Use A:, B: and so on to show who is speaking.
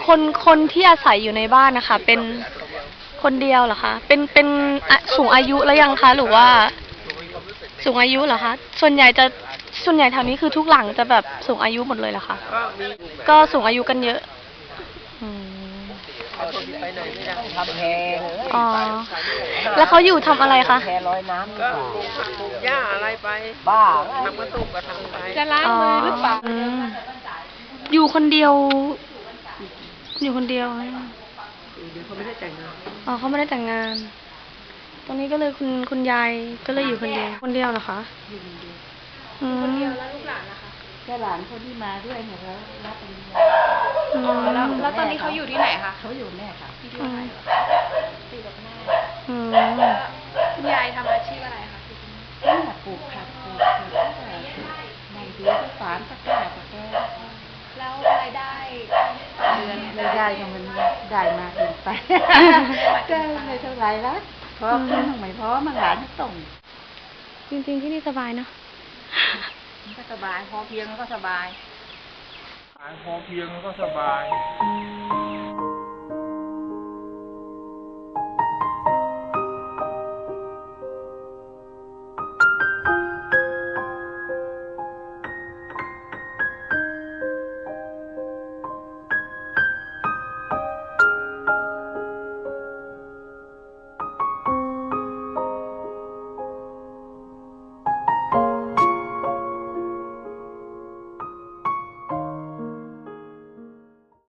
A: คนที่อาศัยอยู่ในบ้านนะคะเป็นคนเดียวเหรอคะเป็นสูงอายุแล้วยังคะหรือว่าสูงอายุเหรอคะส่วนใหญ่แถวนี้คือทุกหลังจะแบบสูงอายุหมดเลยเหรอคะก็สูงอายุกันเยอะ
B: ทำแพง
A: อ๋อแล้วเขาอยู่ทำอะไรคะ
B: แพลอยน้ำก็
C: ปลูกหญ้าอะไรไป
B: บ้า
C: ทำกระตุกก็ทำไป
A: จะล้างมือหรือเปล่าอยู่คนเดียวเดี๋ยวเขาไม่ได้แต่งงานอ๋อเขาไม่ได้แต่งงานตรงนี้ก็เลยคุณยายก็เลยอยู่คนเดียวเหรอคะอยู่คนเดียวแล้วลูกหลานล่ะคะ
B: ก็หลานคนที่มาด้วยเนี่ยเขารับปริญญา
A: แล้วตอนนี้เขาอยู่ที่ไหนคะ
B: เขาอยู่แม่ค่ะ
A: ที่ไหน
B: ตีกับแม่
A: คุณยายทำอาชีพอะไรคะ
B: แม่ปลูกผักปลูกในดีที่ฝานตะกร้าตะแกรง
A: แล้วรายได้เดือน
B: รายได้ของมันได้มาเกินไปก็ไม่เท่าไรละเพราะเพื่อนไม่พอมันหลานให้ส่ง
A: จริงๆที่นี่สบายเนาะ
B: ก็สบายพอเพียงก็สบาย
C: พอเพียงก็สบาย